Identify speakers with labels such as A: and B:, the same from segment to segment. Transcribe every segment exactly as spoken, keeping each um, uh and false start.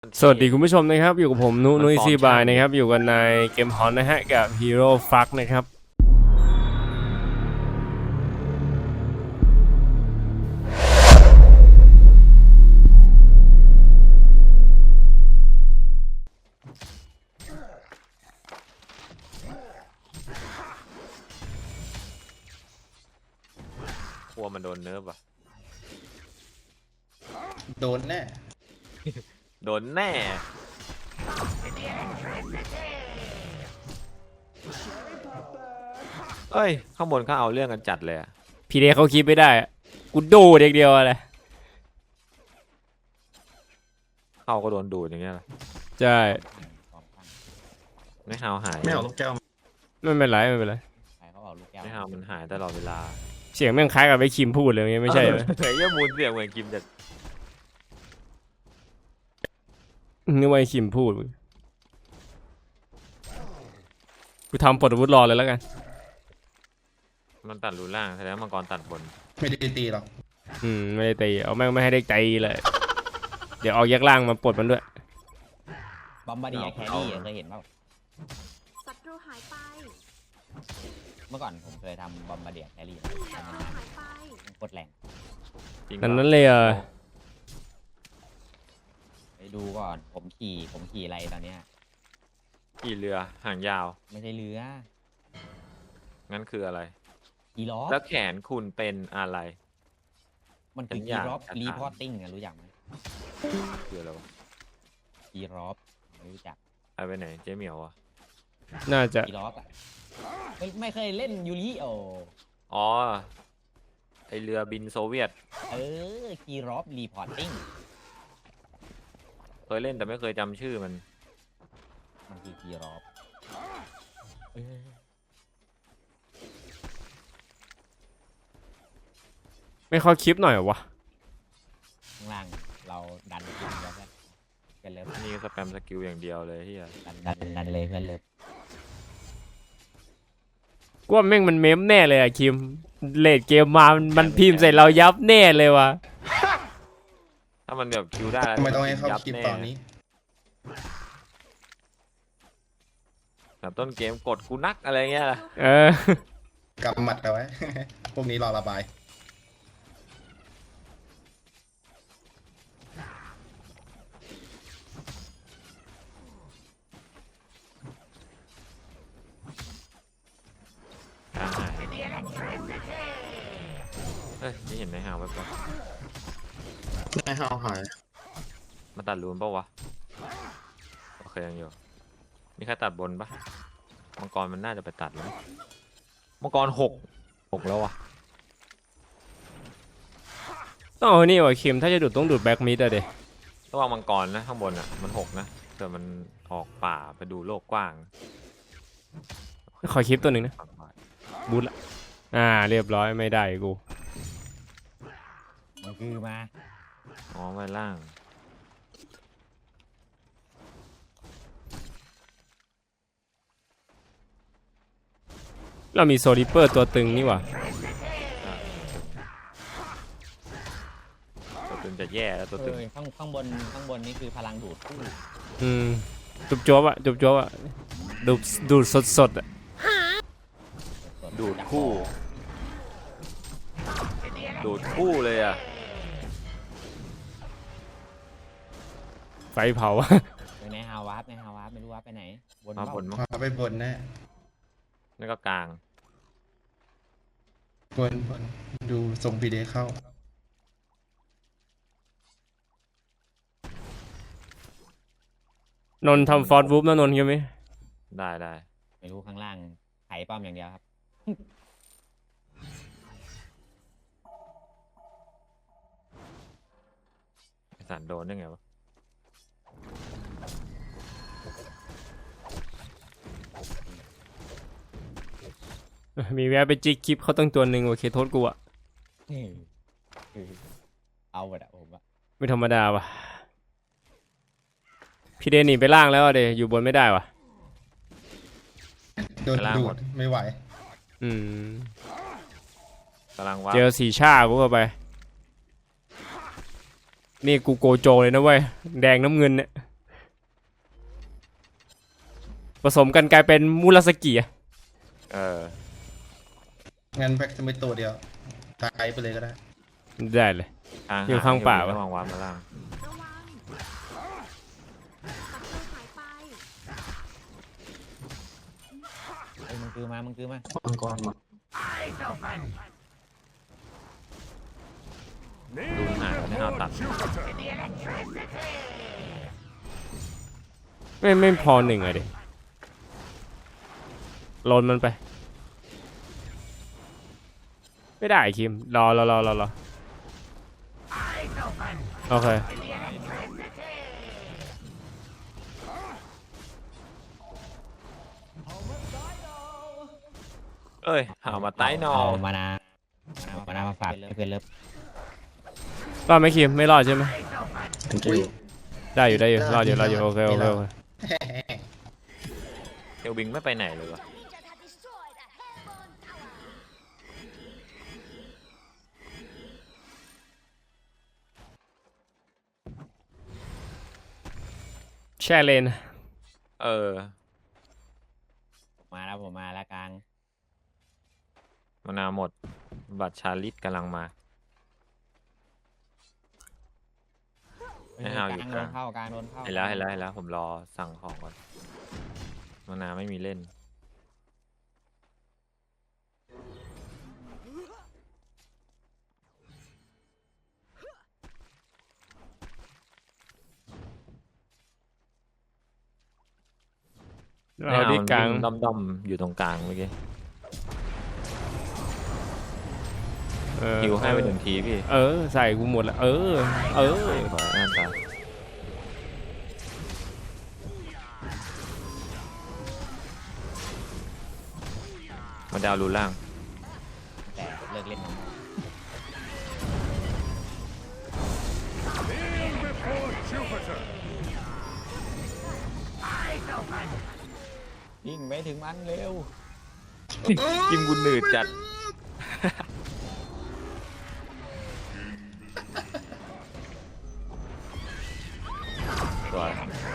A: สวัสดีคุณผู้ชมนะครับอยู่กับผมนุนุยซีบายนะครับอยู่กันในเกมฮอนนะฮะกับฮีโร่ฟักนะครับ
B: กลัวมันโดนเนิร์ฟอ่ะ
C: โดนแน่
B: โดนแน่เอ้ยข้างบนเขาเอาเรื่องกันจัดเลยอะ
A: พี่เดเขาคิดไม่ได้อะกูดูเด็กเดียวอะไร
B: เข้าก็โดนดูดอย่างเงี้ยเหรอ
A: ใช่
B: ไม่ฮาวหาย
C: ไม่เอาลูกแก้ว
A: ไม่เป็นไรไม่เป็นไร
D: ใครเขาบอกลูกแก้ว
B: ไม่ฮาวมันหายตลอดเวลา
A: เสียงแม่งคล้ายกับไอ้คิมพูดเลยไม่ใช่ไหม
B: เฮ้ยมูนเสียงเหมือนกิมแต่
A: นึกว่าไอ้คิมพูดกูทำปลดอาวุธรอเลยแล้วกัน
B: มันตัดรูล่างแสดงว่ามังกรตัดบน
C: ไม่ได้ตีหรอก
A: อืมไม่ได้ตีเอาแม่งไม่ให้ได้ตีเลยเดี๋ยวออกแยกล่างมาปลดมันด้วย
D: บอมบาร์เดียแครี่เคยเห็นเปล่า
E: ศัตรูหายไป
D: เมื่อก่อนผมเคยทำบอมบาร์เดียแครี่
E: ศัตรูหายไป
D: โคตรแรง
B: จริง
A: นั้น
B: ปะ
A: นั้นเลยเออ
D: ไปดูก่อนผมขี่ผมขี่อะไรตอนเนี้ย
B: ขี่เรือหางยาว
D: ไม่ใช่เรือ
B: งั้นคืออะไร
D: กีล็อ
B: แล้วแขนคุณเป็นอะไร
D: มันคือ
B: สัญ
D: กี
B: ญาณ
D: ร็อป
B: การ
D: รี
B: อ่าน
D: พอร์ติ้งอะรู้จักไหม
B: คืออะไรวะ
D: กีร็อปไม่รู้จัก
B: เอาไปไหนเจ๊เหมียวอ่ะ
A: น่าจะ
D: กีร็อปอะไม่ไม่เคยเล่นยูริโอ
B: อ๋อไอเรือบินโซเวียต
D: เออกีร็อปรีพอร์ติ้ง
B: เคยเล่นแต่ไม่เคยจำชื่อมัน
D: มันคือกีร็อป
A: ไม่เข้าคลิปหน่อยเหรอวะ
D: ข้างล่างเราดันขึ้นแล้วกันกันเลย
B: นี่สแปมสกิลอย่างเดียวเลยที่
D: ดันดันดันเลยเพื่อนเลย
A: กูว่าแม่งมันเมมแน่เลยอะคิมเลดเกมมามันมันพิมพ์ใส่เรายับแน่เลยวะ
B: ถ้ามันแบบคิวได้แล้ว
C: ทำไมต้องให้เข้า
B: ยับ
C: คลิป
B: แ
C: ตอนนี้
B: แบบต้นเกมกดกูนักอะไรเงี้ยล่ะ
A: เออก
C: ำหมัดเอาไว้ พวกนี้รอระบาย
B: กลางหายเฮ้ยนี่เห็นในหาวแบบ
C: ไม่ห้าวหาย
B: มาตัดรูนปะวะโอเคยังอยู่นี่แค่ตัดบนปะมังกรมันน่าจะไปตัดแล้วมั้งมังกรหกหกแล้ววะ
A: ต้องเอานี่วะคิมถ้าจะดูดต้องดูดแบ็กมิดอะเด
B: ระวังมังกรนะข้างบนอ่ะมันหกนะแต่มันออกป่าไปดูโลกกว้าง
A: ขอคลิปตัวหนึ่งนะบูทละอ่าเรียบร้อยไม่ได้กู
D: มันคือมา
B: อ๋อไว้ล่าง
A: เรามีโซลิเปอร์ตัวตึงนี่หว่า
B: ตัวตึงจะแย่แล้วตัว
D: เอ
B: ตึง
D: อข้างข้างบนข้างบนนี่คือพลังดูดคู่
A: อืมจุบจวบอะจุบจวบอะดูดดูดสดสดๆอะ
B: ดูดคู่ดูดคู่เลยอ่ะ
A: ไฟเผา
D: ไปในฮาวาร์ปในฮาวาร์ปไม่รู้ว่าไปไหนบน
B: มา
D: เป
B: บน
D: ล่า
B: มั้ง
C: พาไปบนแน่
B: นี่ก็กลาง
C: บนบนดูทรงพีเดเข้า
A: นนท์ทำฟอร์ดวูฟนะนนท์ใช่ไหม
B: ได้ได้
D: ไม่รู้ข้างล่างไถป้อมอย่างเดียวครับ
B: ไอ้สันโดนได้ไงวะ
A: มีแวะไปจิกคลิปเขาตั้งตัวหนึ่งโอเคโทษกูอะ
D: เอาหมดอะผมอะ
A: ไม่ธรรมดาว่ะพี่เดนหนีไปล่างแล้วอะเดอยู่บนไม่ได้ว่ะ
C: โดนดูดไม่ไหว
A: อืม
B: กำลังว่า
A: เจอสีชากูเข้าไปนี่กูโกโจเลยนะเว้ยแดงน้ำเงินเนี่ยผสมกันกลายเป็นมูราสกิอะ
B: เออ
C: งั้นแบ็กจะไม่ตัวเดียวตายไปเลยก็ได้
A: ได้เลย
B: ทาง
A: อยู่ข้างป่า
B: ระ
A: วะ
B: วังวาร์ปมาล่าง
E: ระวังศัตรูหายไป
D: เอ้ยมึงคือมามึงคือมา
C: มังกรมา
B: ดูหางไม่เอาตัด
A: ไม่ไม่พอหนึ่งอะดิลนมันไป ไม่ได้คิมรอรอรอรอรอโอเค
B: เอ้ยหามาใต้นอ
D: เอามานาเอามานามาฝากให้เพื่อนเลิฟ
A: รอดไหมคิมไม่รอดใช่ไหม
C: อุ้ย
A: ได้อยู่ได้อยู่รอดอยู่รอดอยู่โอเคโอเคโอเค
B: เอลวิงไม่ไปไหนเลยวะ
A: แช่เลน
B: เออ
D: มาแล้วผมมาแล้วกลาง
B: มานาวหมด บัตรชาลิตกำลังมา ให้เอาอยู่
D: ก
B: ก
D: ลา
B: ลาง ง
D: โดนเข้ากลางโดนเข้า
B: เห็นแล้วเห็นแล้วเห็นแล้วผมรอสั่งของก่อนมานาวไม่มีเล่น
A: เราที่กลาง
B: ด้อมด้อมๆอยู่ตรงกลางเมื่อกี้
A: เออ
B: ฮิวให้ไปหนึ่งทีพี่
A: เออใส่กูหมดแล้วเออเออ
B: ขออ่านตามมาดาวรูล่าง
D: แต่เลิกเล่นน้องยิงไม่ถึงมันเร็ว
B: กิมกุนหนืดจัด สวย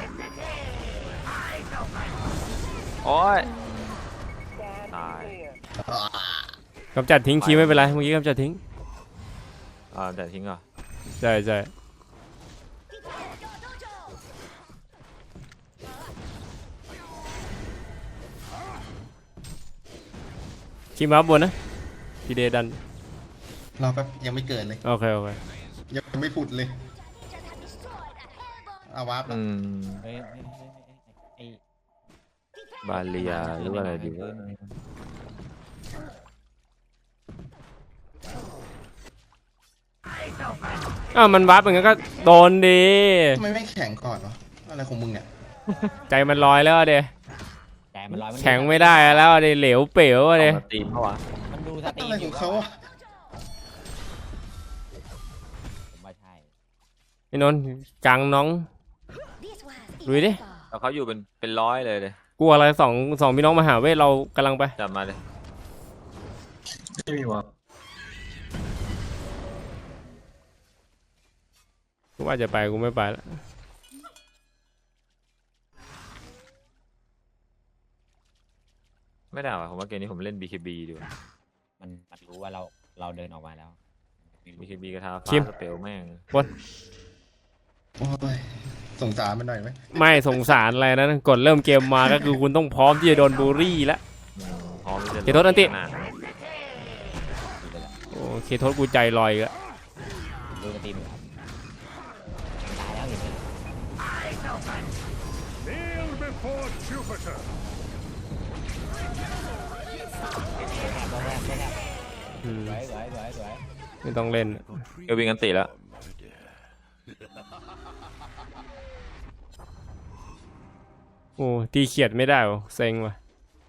B: โอ้ย ตาย
A: กำจัดทิ้งคีย์ไม่เป็นไรเมื่อกี้กำจัดทิ้ง
B: อ่าแต่ทิ้งเหรอ
A: ใช่ใช่คีย์มาบนนะพีเดดัน
C: รอแป๊บยังไม่เกิดเลย
A: โอเคโอเค
C: ยังไม่ผุดเลยเอาวาร์ปแล้
B: อื
C: ว
B: ม
D: เฮ้ยเฮ้ยเฮ้ยเฮ้ยไอ้
B: บาเลียหรือว่าอะไรดีวะ
A: อ้าวมันวับอย่างงั้นก็โดนดี
C: ทำไมไม่แข็งก่อนวะอะไรของมึงเนี่ย
A: ใจมันลอยแล้วอะเด
D: ใจมันร้อยมันดู
A: แข็งไม่ได้แล้วอะเดเหลวเป๋วอะเด
B: เอามาตีมเพราะวะ
D: มันดูสตรี
C: อะไร
D: มอ
C: ขอยู่ งเขาอะ
D: ผมว่าใช่
A: ไอ้นนท์กลางน้อง ดูดิ
B: แล้วเขาอยู่เป็นเป็นร้อยเลยเลย
A: กลัวอะไรสองสองพี่น้องมหาเวทเรากำลังไป
B: จับมาเลย
C: ไม่มีวะ
A: กูว่าจะไปกูไม่ไปแล้ว
B: ไม่ได้ว่ะผมว่าเกมนี้ผมเล่น บี เค บี ดีกว่า
D: มันมันรู้ว่าเราเราเดินออกมาแล้ว
B: บี เค บี กระทาฟ้า
A: คิม
B: สเปลแม่ง
C: โอ้ยสงสารมันหน่อยไหม
A: ไม่สงสารอะไรนะกดเริ่มเกมมาก็คือคุณต้องพร้อมที่จะโดนบูลลี่แล้ว
B: อืมพร้อมที่จะ
A: เดี๋ยวโทษอันติ
B: ขนาด
A: โอเคโทษกูใจลอยอีกแล้ว
D: ดูสตรีมอยู่ครับตายแล้วเห็นไหม
F: Kneel before Jupiter.
D: ตัวแรกตัวแรก
A: อืม
D: สวยสวยสวยสวย
A: ไม่ต้องเล่น
B: เอลวิงกันติแล้ว
A: โอ้ตีเขียดไม่ได้วะเซ็งว่ะ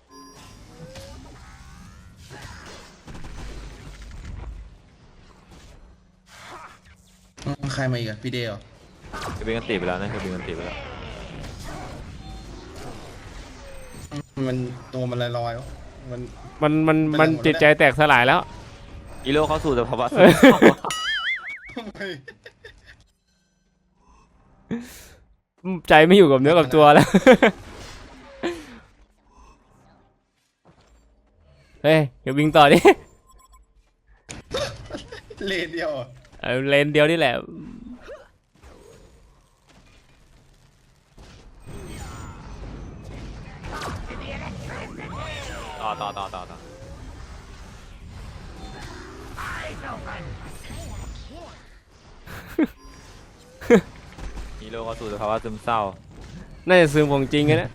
C: อืมใครมาอีกอะพี่เดย์เหรอ
B: เอลวิงกันติไปแล้วนะเอลวิงกันติไปแล้ว
C: มันตัวมันลอยๆวะมัน
A: มันมันมันจิตใจแตกสลายแล้ว
B: อีโร่เข้าสู่สภาวะ
A: ใจไม่อยู่กับเนื้อกับตัวแล้วฮ้ยอย่าวิ่งต่อดิ
C: เลนเดียวอะ
A: เอาเลนเดียวนี่แหละ
B: ต่อต่อต่อต่อต่อฮีโร่ก็สู่สภาวะซึมเศร้า
A: น่าจะซึมของจริงไงนะ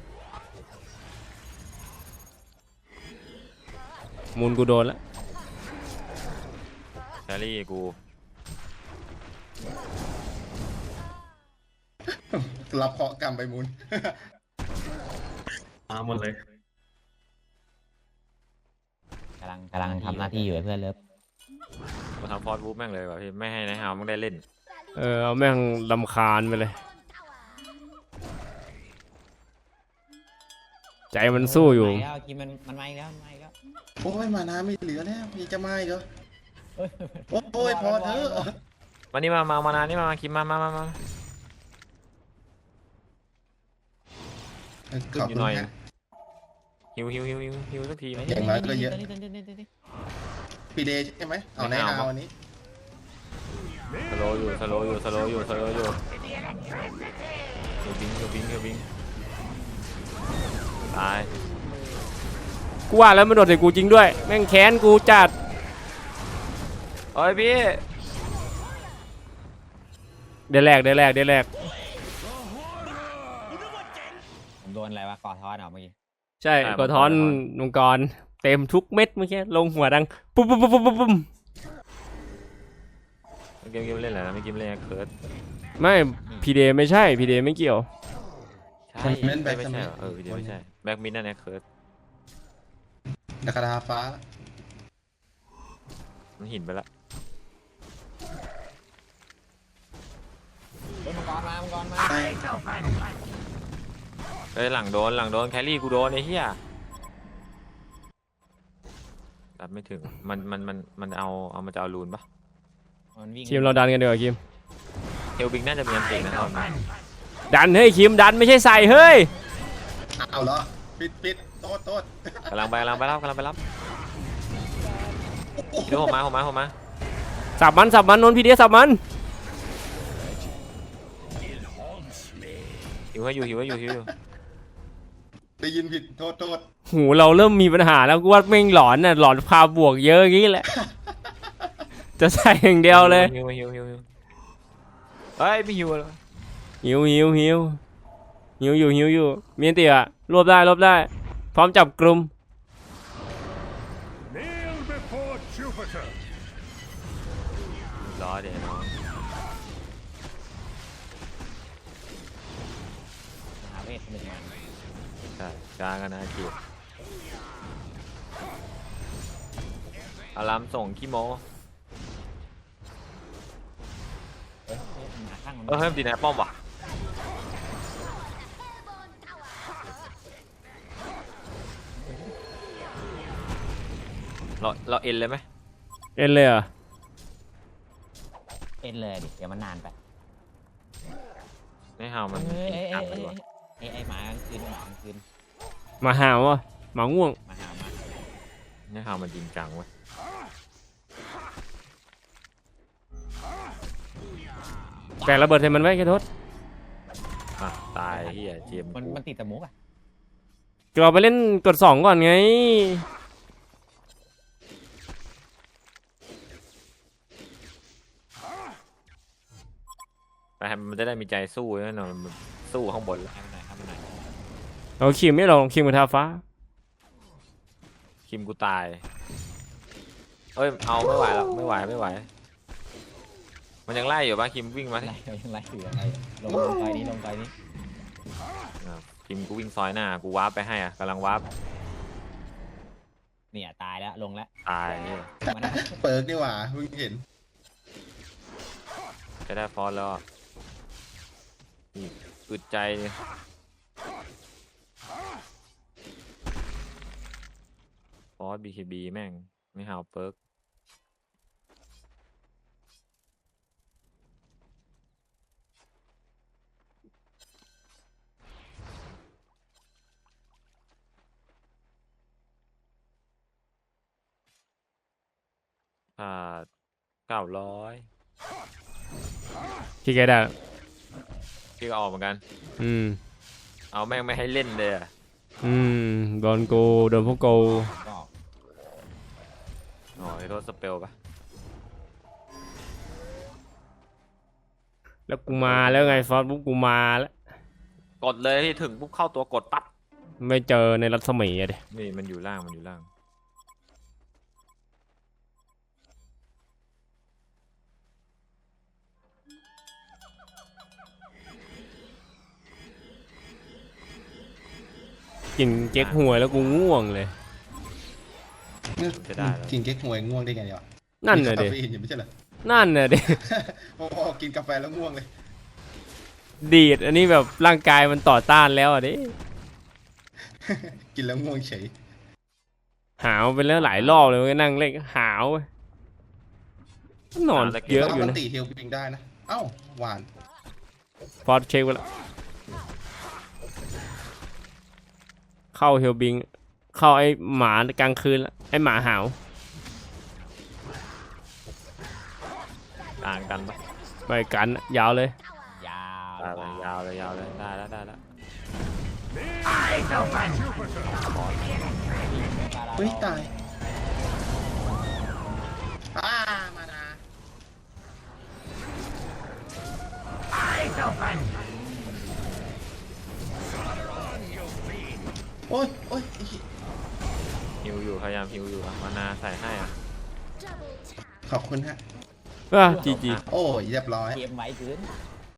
A: มูลกูโดนแล้ว
B: แครี่กู
C: รับเคราะห์กรรมไปมูล
G: มาหมดเลย
D: กำลังกำลังทำหน้าที่อยู่ไอ้เพื่อนเลิฟ
B: มาทำฟอร์ดวูฟแม่งเลยว่ะพี่ไม่ให้นายฮาวมึงได้เล่น
A: เออเอาแม่งลำคาญไปเลย ใจมันสู้อยู่
D: มาแล้วกินมันมันมาอีกแล้วมันมาอีกแล้ว
C: โอ้ยมาน้ำไม่เหลือแล้วยังจะมาอีกเหรอ
D: เฮ้ย
C: โอ้ยพอเถอะ
B: วันนี้มามา มานานนี่มา มาคิมมา มา มา มา
C: ขอบ
B: อยู่
C: คุณ
B: หน่อย
C: ฮะ
B: ฮิวฮิวฮิวฮิวฮิวสักทีไหม
C: อย่างน้อยก็เยอะ
D: ตัวนี้ตัวนี้ตัวนี้ตัวนี้
C: พีเดย์ใช่ไหมเอาใน
B: ไม่เอา
C: ฮาวอันนี้
B: สโลว์อยู่ สโลว์อยู่ สโลว์อยู่ สโลว์อยู่ฮิวบิงฮิวบิงฮิวบิงตาย
A: กูว่าแล้วมันโดดใส่กูจริงด้วย แม่งแค้นกูจัด
B: เอ้ยพี่
A: เดี๋ยวแรกเดี๋ยวแรกเดี๋ยวแรก
D: ผมโดนอะไรวะกอดทอดเหรอเมื่อกี้
A: ใช่กดท้อนมังกรเต็มทุกเม็ดเมื่อกี้ลงหัวดังปุ๊บปุ๊บปุ๊บปุ๊บปุ๊บ
B: เกมเกมเล่นอะไรนะไม่เกมเล่นเคิร์ด
A: ไม่พีเดไม่ใช่พีเดไม่เกี่ยว
B: ใช่ไม่ไม่ใช่เหรอเออวิดีโอไม่ใช่ แบ็กมินนั่นแหละเคิร์ด
C: ดักดาฟ้า
B: มันหินไปละ
D: เฮ้ยมังกรมามังกรมา
C: ใช่
B: เอ้ยหลังโดนหลังโดนแครี่กูโดนไอ้เหี้ยรับไม่ถึง มันมันมันมันเอาเอามันจะเอาลูนปะ
D: มันวิ่ง
A: คิมเราดันกันดีกว่าคิม
B: เฮลบิงน่าจะมีอันตินะตอนนี้
A: ดันเฮ้ยคิมดันไม่ใช่ใส่เฮ้ย
C: เอาเหรอปิดปิดโทษโทษ
B: กำลังไปกำลังไปรับกำลังไปรับเดี๋ยวผมมาผมมาผมมา
A: สับมันสับมันนนพีเดสับมัน
B: หิวให้อยู่หิวให้อยู่หิวอยู่
C: ได้ยินผิดโทษโทษ
A: หูเราเริ่มมีปัญหาแล้วกูว่าแม่งหลอนน่ะหลอนพาบวกเยอะอย่างงี้แหละ จะใส่อย่างเดียวเลย
B: หิวหิวหิวหิวเฮ้ยไม่หิวเลย
A: หิวหิวหิวหิวอยู่หิวอยู่มีอันติอ่ะรวบได้รวบได้ พร้อมจับกลุ่ม
F: Kneel before Jupiter.
B: รอเดี๋ยวน้อง
D: หาเวทหนึ่งมัน
B: ใช่กลางกันนะคิวอารามส่งขี้โม
D: เฮ้ยเฮ้ยมันหาข้างมัน
B: เออเฮ้ยดีนะป้อมว่ะเราเราเอ็นเลยไหม
A: เอ็นเลยเหรอ่ะ
D: เอ็นเลยดิเดี๋ยวมันนานไป
B: ไม่เห่ามัน
D: เฮ้ยเอ้ย
B: อั
D: เอ้
B: ด
D: ย
B: เล
D: เอ้
B: ย
D: ย
B: ว่ะ
D: เอ้ยไอ้หมากลางคืนหมากลางคืน
A: มาหาวะหมาง่วง
D: มาหามา
B: ไม่เห่ามันจริงจังเว้ย
A: แต่ระเบิดใส่มันไว้แค่โทษ
B: อ่ะตายเฮียเจียม
D: มัน
B: กู
D: มันติดแต่มุกอ่ะ
A: เราไปเล่นกดสองก่อนไง
B: ไปให้มันจะได้มีใจสู้แน่นอนมันสู้ข้างบนแล้ว
D: ให้มันหน่อยให้มันหน่อย
A: เราคิมไม่ลองคิมกับทาฟ้า
B: คิมกูตายเอ้ยเอาไม่ไหวแล้วไม่ไหวไม่ไหว มันยังไล่อยู่ปะคิมวิ่งมาที่
D: ไล่เรายังไล่อยู่ยังไล่ลงลงไปนี้ลงไปนี้
B: อ่ะคิมกูวิ่งซอยหน้ากูวาร์ปไปให้อ่ะกำลังวาร์ป
D: เนี่ยตายแล้วลงแล้ว
B: ตายเหี้ย
D: มานะ
C: เปิร์กนี่หว่าเพิ่งเห็น
B: จะได้ฟอนต์แล้วอ่ะนี่อึดใจดิฟอสบีเคบีแม่งไม่หาวเปิร์กขาดเก้าร้อย
A: พี่แกได้
B: พี่ก็ออกเหมือนกัน
A: อืม
B: เอาแม่งไม่ให้เล่นเลยอะ
A: อืมโดนกูโดนพวกกู
D: ก็
B: อ๋อไอ้โทษสเปลปะ
A: แล้วกูมาแล้วไงฟอสปุ๊บกูมาแล้ว
B: กดเลยพี่ถึงปุ๊บเข้าตัวกดปั๊บ
A: ไม่เจอในรัศมีอะดิ
B: นี่มันอยู่ล่างมันอยู่ล่าง
A: กินเก๊กหวยแล้วกูง่วงเลย
B: จะได้แล้ว
C: กินเก๊กฮวยง่วงได้ไงเนี่ย
A: นั่นน่ะ
C: มี
A: ดิ
C: คาเฟอีนอยู่ไม่ใช่เหรอ
A: นั่นน่ะดิ
C: พอๆกินกาแฟแล้วง่วงเลย
A: ดีดอันนี้แบบร่างกายมันต่อต้านแล้วอ่ะดิ
C: กินแล้วง่วงเฉย
A: หาวไปแล้วหลายรอบเลยก็นั่งเล่นก็หาวเว้ยนอนเยอะ
C: แล้ว
A: อยู่
C: มัน
A: นะ
C: ตีเฮลปิงได้นะ เอ้าหวาน
A: ฟอสเช็คไปแล้วเข้าเฮลบิง เข้าไอ้หมากลางคืนละไอ้หมาหาว
B: ต่างกันปะ
A: ไปกันยาวเลย
D: ยาว
B: ได้เลยยาวเลยยาวเลยได้แล้วได้แล้ว
C: เฮ้ยตายอ้ามานาโอ้ยโอ้ยไอ้เหี้ย
B: ฮิวอยู่พยายามฮิวอยู่อะมานาใส่ให้อ่ะ
E: Double tap.
C: ขอบคุณฮะ
A: อ่ะจีจี
C: โอ้ยเรียบร้อย
D: เกมไว้เกิน